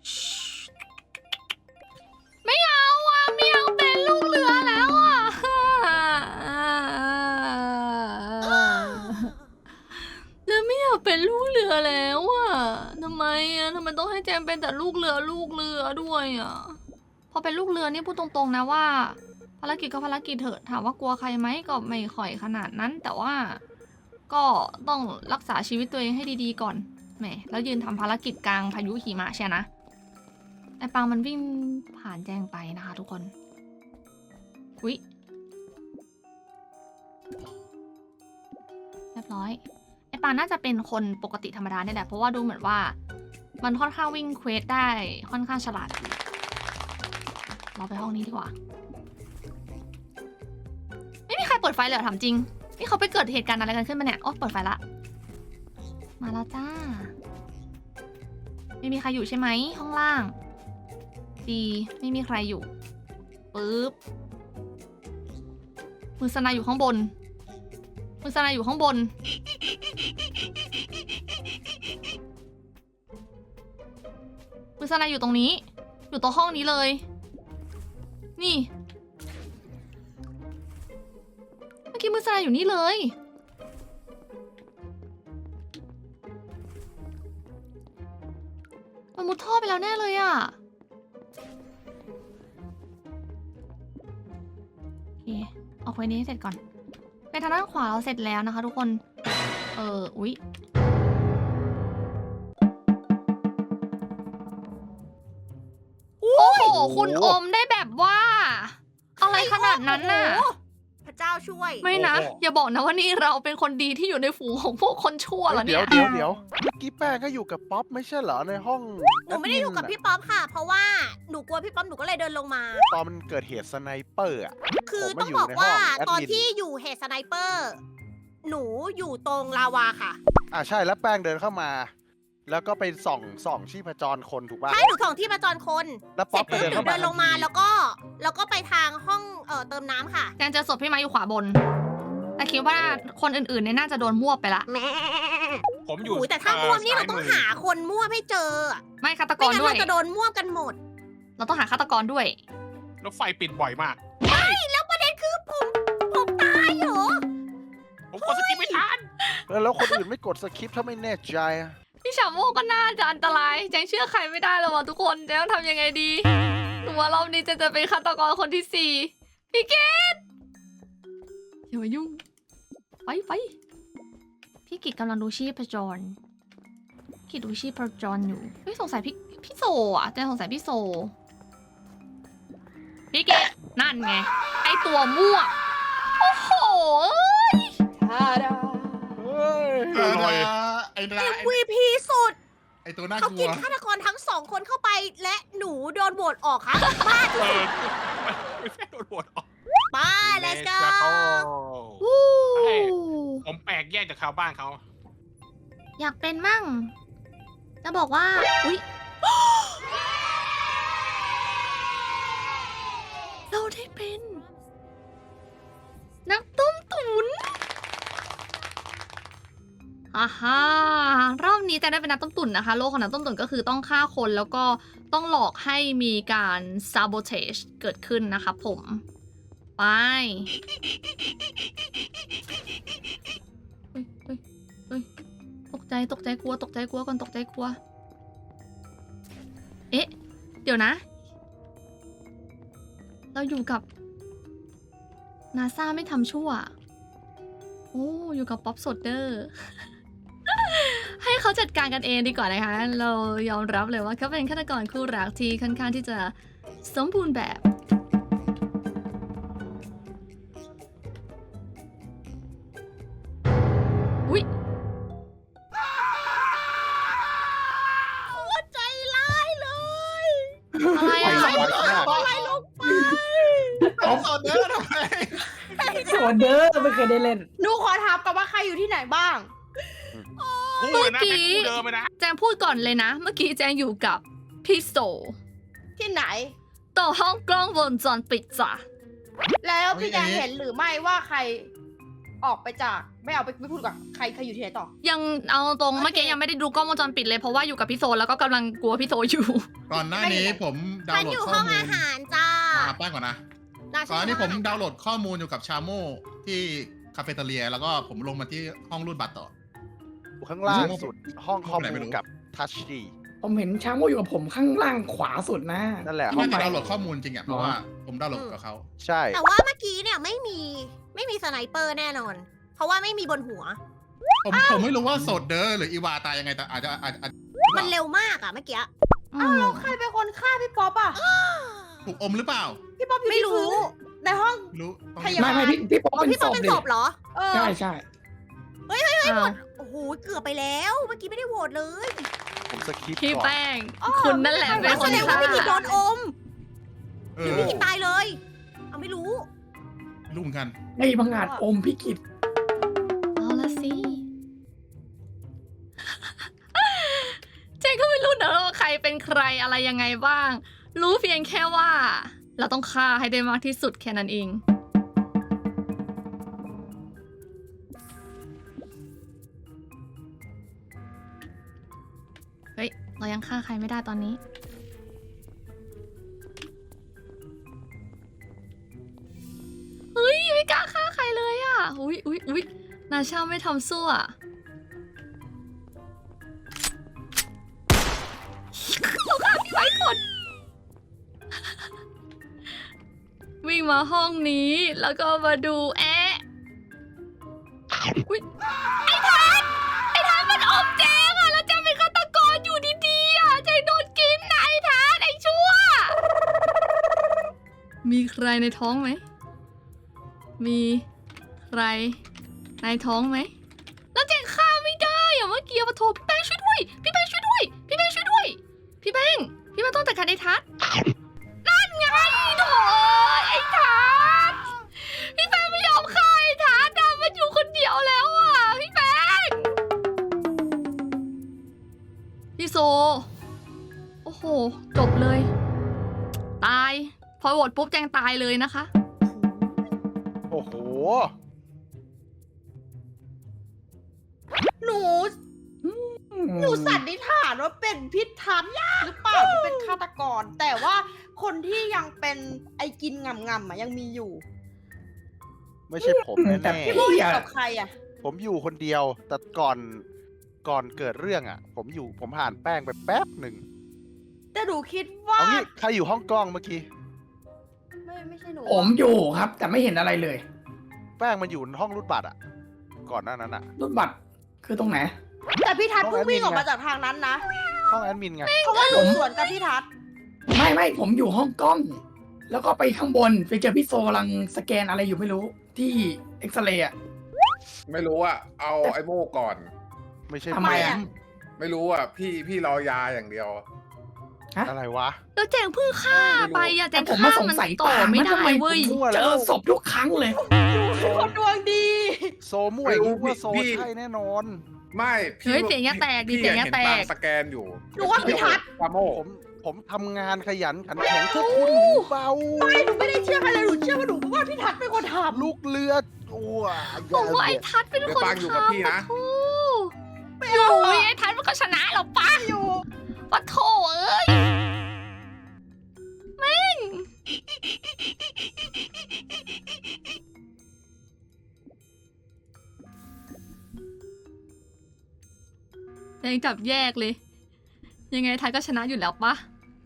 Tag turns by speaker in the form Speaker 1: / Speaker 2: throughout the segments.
Speaker 1: ไม่เอาอ่ะไม่เอาเป็นลูกเรือแล้วอ่ะแล้วไม่อยากเป็นลูกเรือแล้วอ่ะทำไมต้องให้แจมเป็นแต่ลูกเรือด้วยอ่ะพอเป็นลูกเรือนี่พูดตรงๆนะว่าภารกิจก็ภารกิจเถอะถามว่ากลัวใครไหมก็ไม่ค่อยขนาดนั้นแต่ว่าก็ต้องรักษาชีวิตตัวเองให้ดีๆก่อนแหมแล้วยืนทำภารกิจกลางพายุหิมะใช่นะไอ้ปังมันวิ่งผ่านแจงไปนะคะทุกคนอุ๊ยเรียบร้อยไอ้ปังน่าจะเป็นคนปกติธรรมดาเนี่ยแหละเพราะว่าดูเหมือนว่ามันค่อนข้างวิ่งเควสได้ค่อนข้างฉลาดเราไปห้องนี้ดีกว่าไม่มีใครเปิดไฟเลยเหรอถามจริงนี่เขาไปเกิดเหตุการณ์อะไรกันขึ้นมาเนี่ยโอ๊ยเปิดไฟละมาแล้วจ้าไม่มีใครอยู่ใช่ไหมห้องล่างดีไม่มีใครอยู่ปึ๊บมือสนายอยู่ข้างบนมือสนายอยู่ข้างบนมือสนายอยู่ตรงนี้อยู่ตัวห้องนี้เลยนี่เมื่อกี้มือสนายอยู่นี่เลยมันมุดท่อไปแล้วแน่เลยอ่ะโอเคเอาไว้นี้ให้เสร็จก่อนไปทางด้านขวาเราเสร็จแล้วนะคะทุกคนอุ๊ยโอ้โหคุณอมได้แบบว่าอะไรขนาดนั้นน่ะ
Speaker 2: พระเจ้าช่วย
Speaker 1: ไม่นะอย่าบอกนะว่านี่เราเป็นคนดีที่อยู่ในฝูงของพวกคนชั่วเหรอเนี่ย
Speaker 3: เดี๋ยวเมื่อกี้แป้งก็อยู่กับป๊อปไม่ใช่เหรอในห้อง
Speaker 2: หนูไม่ได้อยู่กับพี่ป๊อปค่ะ เพราะว่าหนูกลัวพี่ป๊อปหนูก็เลยเดินลงมา
Speaker 3: ตอนมันเกิดเหตุสไนเปอร์อ่ะ
Speaker 2: คือต้องบอกว่าตอนที่อยู่เหตุสไนเปอร์ หนูอยู่ตรงลาวาค่ะ
Speaker 3: ใช่แล้วแป้งเดินเข้ามา แล้วก็ไปส่องชีพจรคนถูกป่ะ
Speaker 2: ใช่หนูส่องที่ประจรคน
Speaker 3: แล้วป๊อปไป
Speaker 2: เสร็จ
Speaker 3: เดิน
Speaker 2: ปุ๊บหนู
Speaker 3: เข้ามา
Speaker 2: เดินลงมาแล้วก็ไปทางห้องเติมน้ำค่ะ
Speaker 1: แจนเจอศพพี่ไม้อยู่ขวาบน แต่คิดว่าคนอื่นๆเนี่ยน่าจะโดนมั่วไปละ
Speaker 2: แม่
Speaker 4: ผมอยู่
Speaker 2: แต่ถ้าม่วมนี่เราต้องหาคนม่วมให้เจอ
Speaker 1: ไม่ฆาตก
Speaker 2: ไม่
Speaker 1: ร
Speaker 2: งั้น
Speaker 1: ด้วย
Speaker 2: เราจะโดนม่วมกันหมด
Speaker 1: เราต้องหาฆาตกรด้วย
Speaker 4: รถไฟปิดบ่อยมาก
Speaker 2: แล้วประเด็นคือผมตายเหรอ
Speaker 4: ผมกดสกิปไม่ทัน
Speaker 3: แล้วคนอื่นไม่กดสคริปต์ถ้าไม่แน่ใจอะ
Speaker 1: พี่ฉาโมก็น่าจะอันตรายแจงเชื่อใครไม่ได้แล้วว่ะทุกคนแจงต้องทำยังไงดีหนูว่ารอบนี้จะเป็นฆาตกรคนที่ 4พี่เกดอย่ามายุ่งไปพี่กิจกำลังดูชีพจรกิจดูชีพจรอยู่ไม่สงสัยพี่โซอ่ะแจงสงสัยพี่โซพี่เกดนั่นไงไอตัวมั่วโอ้โห
Speaker 3: เฮ้ย
Speaker 5: ไอ้นา
Speaker 2: MVP สุด
Speaker 5: ไอ้ตัวน่า
Speaker 2: เขา
Speaker 5: กลั
Speaker 2: กิ
Speaker 5: วน
Speaker 2: ฆาตกรทั้งสองคนเข้าไปและหนูโดนโหวตออกค่ะบ้า
Speaker 4: ไม่แค่โดนบดออก
Speaker 2: ไป let's go
Speaker 1: วู้
Speaker 4: ผมแปลกแยกจากชาวบ้านเขา
Speaker 1: อยากเป็นมั่ง จะบอกว่า อุ๊ย เราได้เป็น นักต้มตุ๋นฮ่ารอบนี้จะได้เป็นนักต้มตุ๋นนะคะ โลกของนักต้มตุ๋นก็คือต้องฆ่าคนแล้วก็ต้องหลอกให้มีการ sabotage เกิดขึ้นนะคะผม ไปเฮ้ยตกใจกลัวก่อนตกใจกลัว เอ๊ะ เดี๋ยวนะ เราอยู่กับ NASA ไม่ทำชั่ว โอ้อยู่กับป๊อปโซเดอร์ ให้เขาจัดการกันเองดีกว่านะคะ เรายอมรับเลยว่าเขาเป็นฆาตกรคู่รักที่ค่อนข้างที่จะสมบูรณ์แบบ อุ๊ย
Speaker 2: โคตรใจร้ายเลย
Speaker 1: อะไรอ่ะ
Speaker 2: อะไรลงไป
Speaker 5: เอาโซเดอร์ทำไม
Speaker 6: โซเดอร์ไม่เคยได้เล่น
Speaker 2: หนูขอถามกับว่าใครอยู่ที่ไหนบ้าง
Speaker 4: คู่เลยนะเป็นคู่เดิมเลยนะ
Speaker 1: แจงพูดก่อนเลยนะ เมื่อกี้แจงอยู่กับพี่โซ
Speaker 2: ที่ไหน
Speaker 1: ต่อห้องกล้องวงจรปิดจ้ะ
Speaker 2: แล้วพี่แจงเห็นหรือไม่ว่าใคร
Speaker 7: ออกไปจากไม่เอาไปไม่พูดกับใครอยู่ที่ไหนต่อ
Speaker 1: ยังเอาตรง
Speaker 2: โอเค
Speaker 1: เมื่อกี้ยังไม่ได้ดูกล้องวงจรปิดเลยเพราะว่าอยู่กับพี่โซแล้วก็กำลังกลัวพี่โซอยู่
Speaker 5: ก่อนหน้านี้ผมดาว
Speaker 2: ฉัน
Speaker 5: น์โหล
Speaker 2: อ
Speaker 5: ด
Speaker 2: ยู่
Speaker 5: ข้
Speaker 2: ห้
Speaker 5: อ
Speaker 2: อง
Speaker 5: มูล
Speaker 2: อาหารจ้า
Speaker 5: แป้งก่อนนะ
Speaker 2: ได้
Speaker 5: ก่อนหน้านี้ผม
Speaker 2: ฉั
Speaker 5: ดาวน์โหลดข้อมูลอยู่กับชาโมที่คาเฟ่เตเลีย แล้วก็ผมลงมาที่ห้องรูดบัตรต่อ
Speaker 3: ข้างล่างสุดห้องข้อ
Speaker 5: ไหนไม่
Speaker 3: มู
Speaker 5: รู้
Speaker 3: ลกับทัชดี
Speaker 6: ผมเห็นช้างโมอยู่กับผมข้างล่างขวาสุดนะ
Speaker 3: นั่นแหละห้
Speaker 5: น่า
Speaker 3: อง
Speaker 5: จะ
Speaker 3: ไป
Speaker 5: ดาวน์โหลดข้อมูลจริงอ่ะเพราะว่าผมดาวน์โหลดกับเขา
Speaker 3: ใช่
Speaker 2: แต่ว่าเมื่อกี้เนี่ยไม่มีสไนเปอร์แน่นอน เพราะว่าไม่มีบนหัว
Speaker 5: ผมไม่รู้ว่าโสดเดอร์หรืออีวาตายยังไงแต่อาจจะ
Speaker 2: มันเร็วมากอะเมื่อกี้
Speaker 1: อื
Speaker 7: อ้าว
Speaker 1: ม
Speaker 7: แล้วใครเป็นคนฆ่าพี่ป๊อปอ่ะ
Speaker 5: ถูกอมหรือเปล่า
Speaker 7: พี่ป๊อปอยู่
Speaker 2: ไม่
Speaker 7: ที่
Speaker 2: รู้
Speaker 7: พื้นในห้อง
Speaker 5: รู้ต้อง
Speaker 7: พยาบาล
Speaker 6: ไม่พี่ป๊อป
Speaker 2: อ๋อ
Speaker 6: เป็น
Speaker 2: พี่
Speaker 6: ศ
Speaker 2: ป๊อป
Speaker 6: พ
Speaker 2: เป็น
Speaker 6: ดิ
Speaker 2: ศพเหรอ
Speaker 7: เออ
Speaker 6: ใช่ใช่
Speaker 1: อ้าว
Speaker 2: โอ้โหเกือบไปแล้ว เมื่อกี้ไม่ได้โหวตเลย
Speaker 3: ผมสคิป
Speaker 1: พี่
Speaker 3: ก่อน
Speaker 1: แป้ง คุณนั่นแหละเป็น
Speaker 2: แส
Speaker 1: คน
Speaker 2: ดงว่า
Speaker 1: ฆ่า
Speaker 2: พี่กิจโดนอม
Speaker 5: เอ
Speaker 2: หรือ
Speaker 5: อ
Speaker 2: พี่กิจตายเลย เอาไม่รู้
Speaker 5: รู้เหมือนกัน
Speaker 6: ไอ้พังงาดอมพี่กิต
Speaker 1: เอาละสิ เจนก็ไม่รู้นะว่าใครเป็นใครอะไรยังไงบ้าง รู้เพียงแค่ว่า เราต้องฆ่าให้ได้มากที่สุดแค่นั้นเอง เฮ้ย เรายังฆ่าใครไม่ได้ตอนนี้ เฮ้ย ไม่กล้าฆ่าใครเลยอ่ะ อุ๊ย นาชาไม่ทำสู้อ่ะ เราฆ่าพี่ไว้ก่อน วิ่งมาห้องนี้แล้วก็มาดูอุ๊ยไอ้ทันมันอมแจงอ่ะแล้วแจงเป็นฆาตกรอยู่ดีๆอ่ะแจงโดนกินนะไอ้ทันไอ้ชั่ว มีใครในท้องไหม มีใครในท้องไหม แล้วแจงฆ่าไม่ได้อ่ะเมื่อกี้มาโทรพี่แป้งช่วยด้วย พี่แป้งช่วยด้วย พี่แป้งช่วยด้วย พี่แป้งต้องจัดการไอ้ทัศน์นั่นไงโถ่ไอ้ทัศน์พี่แป้งไม่ยอมฆ่าไอ้ทัศน์อะมันอยู่คนเดียวแล้วอ่ะพี่แป้งพี่โซ โอ้โห จบเลย ตาย พอโหวตปุ๊บแจงตายเลยนะคะ
Speaker 3: โอ้โห
Speaker 7: หนูสันนิษฐานว่าเป็นพิษทัศน์หรือเปล่าที่เป็นฆาตกร แต่ว่าคนที่ยังเป็นไอ้กินงำๆอ่ะยังมีอยู่
Speaker 3: ไม่ใช่ผม
Speaker 6: แต่
Speaker 3: แน่
Speaker 7: พี่
Speaker 6: พี่
Speaker 7: โมอยู่
Speaker 6: อะ
Speaker 7: กับใครอ่ะ
Speaker 3: ๆผมอยู่คนเดียว แต่ก่อนเกิดเรื่องอ่ะ ผมผ่านแป้งไปแป๊บหนึ่ง
Speaker 7: แต่หนูคิดว่า
Speaker 3: เอางี้ใครอยู่ห้องกล้องเมื่อกี้
Speaker 7: ไม่ใช่หนู
Speaker 6: ผมอยู่ครับ แต่ไม่เห็นอะไรเลย
Speaker 3: แป้งมันอยู่ห้องรูดบัตรอ่ะ ก่อนหน้านั้นอ่ะ
Speaker 6: รถบัตรคือตรงไหน
Speaker 7: แต่พี่ทัศน์
Speaker 3: ห้
Speaker 7: เพิ่
Speaker 3: อง ง
Speaker 7: วิ่ง
Speaker 3: แอดมิน
Speaker 7: ออกมาจากทางนั้นนะ
Speaker 3: ห้องแอดมินไง
Speaker 7: เพราะว่าหนูสวนกับพี่ทัศน์
Speaker 6: ไม่ผมอยู่ห้องกล้อง แล้วก็ไปข้างบนไปเจอพี่โซกำลังสแกนอะไรอยู่ไม่รู้ที่เอ็กซเรย์อะ
Speaker 8: ไม่รู้อ่ะ เอาไอ้โม่ก่อน
Speaker 3: ไม่ใช่
Speaker 6: ทำไมอะ
Speaker 3: ผ
Speaker 8: ไม่รู้อ่ะ พี่รอยาอย่างเดียว
Speaker 3: อะไรวะ
Speaker 1: แล้วแจงเพิ่งฆ่าไปอะแจ
Speaker 6: แต่
Speaker 1: ง
Speaker 6: ผมมา
Speaker 1: ฆ่า
Speaker 6: สง
Speaker 1: มัน
Speaker 6: สัย
Speaker 1: ต่อไม่
Speaker 6: ว่า
Speaker 1: ได้
Speaker 6: ทำไม
Speaker 1: เว้ย
Speaker 3: มั่ว
Speaker 6: เจ
Speaker 3: แล้ว
Speaker 6: อศพทุกครั้งเลย
Speaker 7: คนดวงดี
Speaker 3: โซมั่วอย่างนี้
Speaker 8: ไม่รู้
Speaker 3: ว่าโซ
Speaker 8: พี่
Speaker 3: ใช่แน่นอน
Speaker 8: ไม่พี่
Speaker 1: เฮ้ยเสียงอย่าแตกดิ
Speaker 8: พี่
Speaker 1: เสียงอย่าแตก
Speaker 8: เห็นปางสแกนอยู่
Speaker 7: หนูว่าพี่ทัศน์
Speaker 8: ปาโม
Speaker 3: ผมทำงานขยันขันแข็งพวกคุณหูเบา
Speaker 7: หนูไม่ได้เชื่อใครเลยหนูเชื่อว่าหนูว่าพี่ทัศน์เป็นคนทำ
Speaker 3: ลูกเรืออ้ว
Speaker 1: ผมว่าไอ้ทัศน์เป็น
Speaker 8: เดี๋ย
Speaker 1: คน
Speaker 8: วปางอยู่กับ
Speaker 1: ฆ่า
Speaker 8: พี่
Speaker 1: ปะ
Speaker 8: นะ
Speaker 1: โถอยู่ไอ้ทัศน์มันก็ชนะหรอปะ
Speaker 7: อยู่
Speaker 1: ปะโถเอ้ยแม่งยังจับแยกเลย ยังไงทัศน์ก็ชนะอยู่แล้วปะ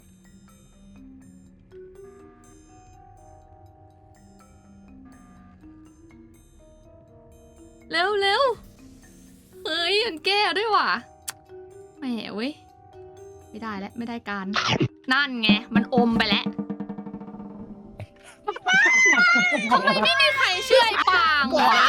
Speaker 1: เร็วเฮ้ยมันแก้ด้วยว่ะแหมเว้ย ไม่ได้แล้วไม่ได้การ นั่นไง มันอมไปแล้วทำไมไม่มีใครเชื่อไอ้ปางวะ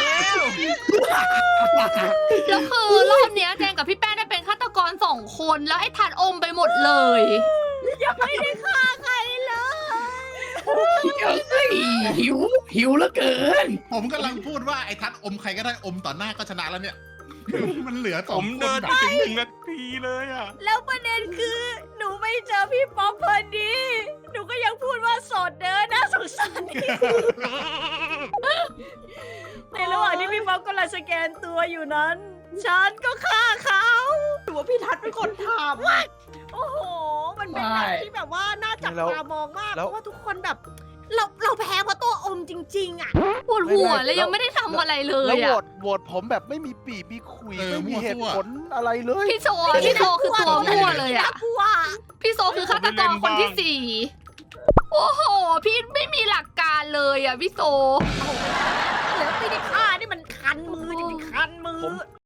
Speaker 1: แล้วคือรอบเนี้ยแจงกับพี่แป้งได้เป็นฆาตกร2 คนแล้วไอ้ทันอมไปหมดเลย
Speaker 2: ไม่ได้ฆ่าใครเลย
Speaker 6: เฮ้ยหิวเหลือเกิน
Speaker 5: ผมกำลังพูดว่าไอ้ทัดอมใครก็ได้อมต่อหน้าก็ชนะแล้วเนี่ย มันเหลือส
Speaker 4: ผ
Speaker 5: อง
Speaker 4: ม
Speaker 5: ค
Speaker 4: เดิน
Speaker 5: น
Speaker 4: ไปถึง1 นาทีเลยอ่ะ
Speaker 2: แล้วประเด็นคือหนูไม่เจอพี่ป๊อปพอดี หนูก็ยังพูดว่าโสดเด้อน่าสงสารในระหว่างที่พี่ป๊อปกำลังสแกนตัวอยู่นั้น ฉันก็ฆ่าเขา
Speaker 7: หรือว่าพี่ทัศน์เป็นคนทำ
Speaker 2: โอ้โห มันเป็นแบบที่แบบว่าน่าจับตามองมาก เพราะว่าทุกคนแบบ เราแพ้เพราะตัวอมจริงๆอ่ะ
Speaker 1: ปวดหัวแล้วยังไม่ได้ทำอะไรเล
Speaker 3: แล้ว
Speaker 1: ย
Speaker 3: โหว
Speaker 1: อะ
Speaker 3: ตโหวตผมแบบไม่มีปีมีคุย
Speaker 5: เออ
Speaker 3: ไม่มีเหตุ
Speaker 5: มั่วซั่ว
Speaker 3: ผลอะไรเลย
Speaker 1: พี่โซคือตัวมั่วเลยอะ
Speaker 2: กลัว
Speaker 1: พี่โซคือฆาตกรคนที่ 4 โอ้โห พี่ไม่มีหลักการเลยอะพี่โซ
Speaker 2: แล้วไม่ได้ฆ่านี่มันคันมือจริงๆคันมือ
Speaker 3: ผม